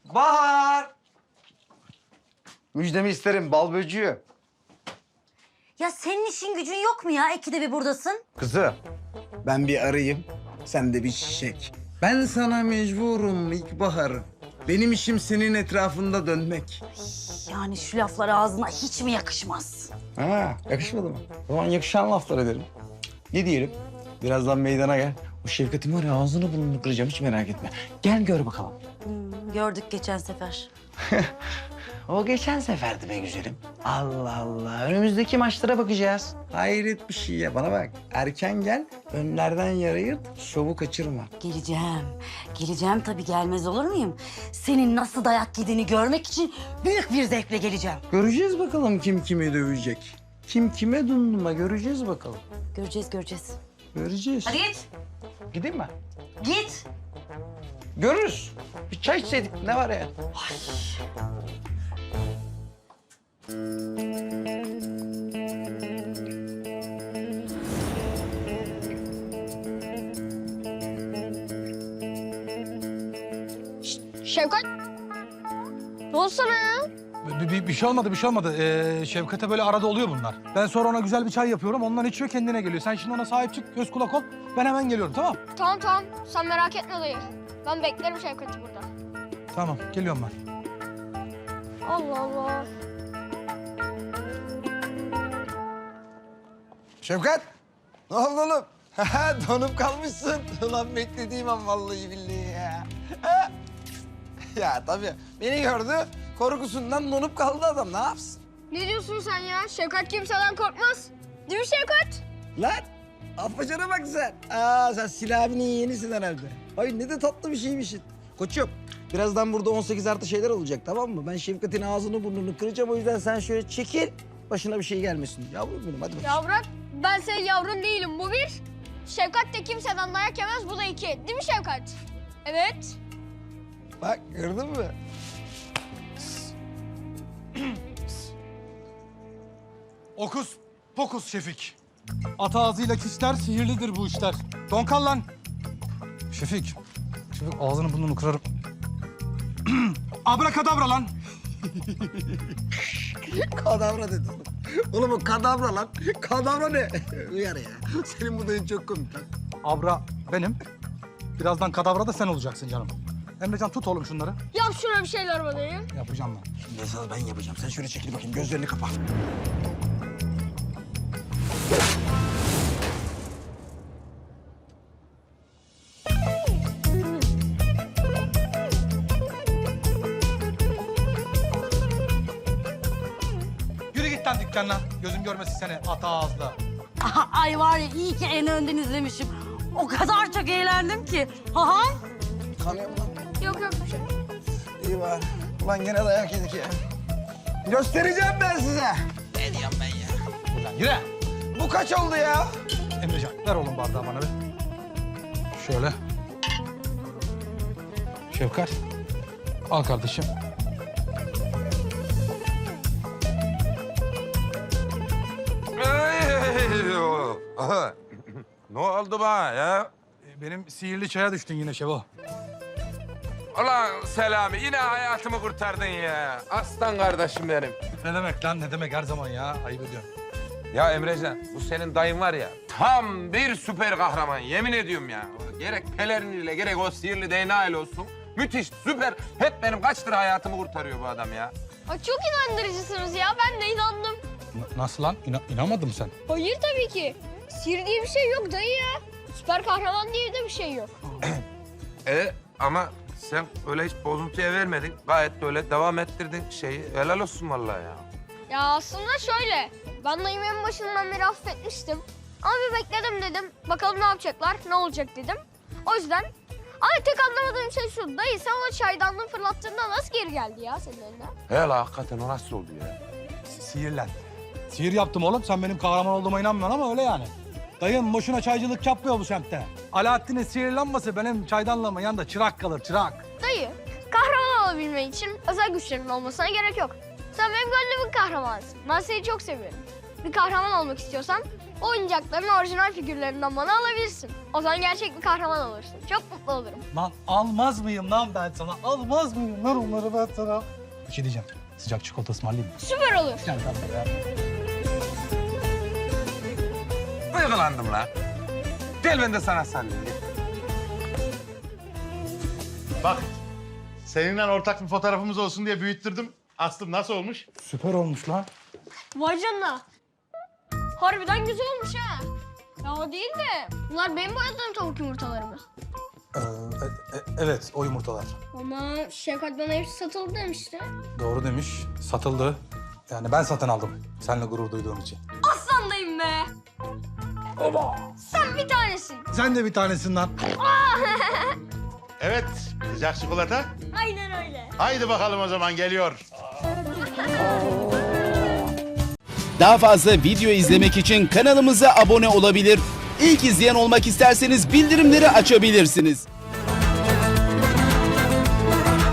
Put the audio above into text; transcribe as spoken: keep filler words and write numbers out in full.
Bahar! Müjdemi isterim bal böceği. Ya senin işin gücün yok mu ya? İkide bir buradasın. Kızı, ben bir arayayım, sen de bir çiçek. Ben sana mecburum ilkbahar. Benim işim senin etrafında dönmek. Yani şu laflar ağzına hiç mi yakışmaz? Ha, yakışmadı mı? O zaman yakışan laflar ederim. Ne diyelim? Birazdan meydana gel. O Şevkat'in var ya ağzını burnunu kıracağım, hiç merak etme. Gel gör bakalım. Hmm, gördük geçen sefer. O geçen seferdi be güzelim. Allah Allah. Önümüzdeki maçlara bakacağız. Hayret bir şey ya. Bana bak. Erken gel. Önlerden yara yırt. Şovu kaçırma. Geleceğim. Geleceğim tabii, gelmez olur muyum? Senin nasıl dayak yediğini görmek için büyük bir zevkle geleceğim. Göreceğiz bakalım kim kimi dövecek. Kim kime dumduma göreceğiz bakalım. Göreceğiz, göreceğiz. Göreceğiz. Hadi git. Gideyim mi? Git. Görürüz. Bir çay içseydik ne var ya? Şevkat. Ne oldu sana ya? Bir, bir, bir şey olmadı, bir şey olmadı. Ee, Şevkat'e böyle arada oluyor bunlar. Ben sonra ona güzel bir çay yapıyorum, ondan içiyor, kendine geliyor. Sen şimdi ona sahip çık, göz kulak ol. Ben hemen geliyorum, tamam? Tamam tamam. Sen merak etme dayı. Ben beklerim Şevkat'i burada. Tamam, geliyorum ben. Allah Allah. Şevkat. Ne oldu oğlum? Donup kalmışsın. Ulan beklediğim an vallahi billahi ya. Ha? Ya tabii beni gördü. Korkusundan donup kaldı adam. Ne yapsın? Ne diyorsun sen ya? Şevkat kimseden korkmaz. Değil mi Şevkat? Lan afacana bak sen. Aa sen Silah abinin yeğenisin herhalde. Ay ne de tatlı bir şeymişsin. Koçum birazdan burada on sekiz artı şeyler olacak tamam mı? Ben Şevkat'in ağzını burnunu kıracağım o yüzden sen şöyle çekil. Başına bir şey gelmesin. Yavrum benim hadi bakayım. Ya bırak. Ben senin yavrun değilim. Bu bir. Şevkat de kimseden dayak yemez. Bu da iki. Değil mi Şevkat? Evet. Bak gördün mü? Okus pokus Şefik. At ağzıyla kişiler, sihirlidir bu işler. Donkal lan. Şefik, Şefik ağzını burnunu kırarım. Abrakadabra lan. Kadavra dedi. Oğlum o kadavra lan. Kadavra ne? Uyar ya. Senin bu dayın çok komik lan. Abra benim. Birazdan kadavra da sen olacaksın canım. Emrecan tut oğlum şunları. Yap şuna bir şeyler bana ya. Yapacağım ben. Şimdi esas ben yapacağım. Sen şöyle çekil bakayım. Gözlerini kapa. Yürü git lan dükkanına. Gözüm görmesin seni at ağızla. Aha, ay var ya, iyi ki en önden izlemişim. O kadar çok eğlendim ki. Ha Kanıyor mu lan? Yok yok bir şey. İyi var. Ulan gene dayak yedik ya. Göstereceğim ben size. Ne diyorum ben ya? Ulan yürü. Bu kaç oldu ya? Emrecan ver oğlum bardağı bana bir. Şöyle. Şefkat. Al kardeşim. Aha. Ne oldu bana ya? E, Benim sihirli çaya düştün yine Şevo. Ulan Selami yine hayatımı kurtardın ya. Aslan kardeşim benim. Ne demek lan ne demek her zaman ya ayıp ediyorsun. Ya Emrecan bu senin dayın var ya tam bir süper kahraman yemin ediyorum ya. Gerek peleriniyle gerek o sihirli D N A ile olsun. Müthiş süper. Hep benim kaçtır hayatımı kurtarıyor bu adam ya. Ay çok inandırıcısınız ya. Ben de inandım. N- nasıl lan? İna inanmadın mı sen? Hayır tabii ki. Sihir diye bir şey yok dayı ya. Süper kahraman diye de bir şey yok. E ama sen öyle hiç bozuntuya vermedin. Gayet böyle devam ettirdin şeyi. Helal olsun vallahi ya. Ya aslında şöyle. Ben dayımı en başından beri affetmiştim. Ama bir bekledim dedim. Bakalım ne yapacaklar, ne olacak dedim. O yüzden... Ama tek anlamadığım şey şu. Dayı sen o çaydanlığı fırlattığında nasıl geri geldi ya senin eline? He la hakikaten o nasıl oldu ya? Sihirlen. Sihir yaptım oğlum. Sen benim kahraman olduğuma inanmıyorsun ama öyle yani. Dayım boşuna çaycılık yapmıyor bu semtte. Alaaddin'in sihirlenmesi benim çaydanlığımın yanında çırak kalır, çırak. Dayı, kahraman olabilmen için özel güçlerin olmasına gerek yok. Sen benim gönlümün kahramanısın. Ben seni çok seviyorum. Bir kahraman olmak istiyorsan Bu oyuncakların orijinal figürlerinden bana alabilirsin. O zaman gerçek bir kahraman olursun. Çok mutlu olurum. Lan almaz mıyım lan ben sana? Almaz mıyım lan onları ben sana? Bir şey diyeceğim. Sıcak çikolata ısmarlayayım mı? Süper olur. Gel lan buraya. Duygulandım la. Gel ben de sana sallayayım. gel. Bak, seninle ortak bir fotoğrafımız olsun diye büyüttürdüm. Aslım nasıl olmuş? Süper olmuş lan. Vay canına. Harbiden güzel olmuş ha. Ya o değil de bunlar benim boyadığım tavuk yumurtaları mı? Ee, e- e- evet, o yumurtalar. Ama Şevkat bana hepsi satıldı demişti. Doğru demiş, satıldı. Yani ben satın aldım, seninle gurur duyduğum için. Aslandayım be. Sen bir tanesin. Sen de bir tanesin lan. Evet, sıcak çikolata. Aynen öyle. Haydi bakalım o zaman geliyor. Daha fazla video izlemek için kanalımıza abone olabilir. İlk izleyen olmak isterseniz bildirimleri açabilirsiniz.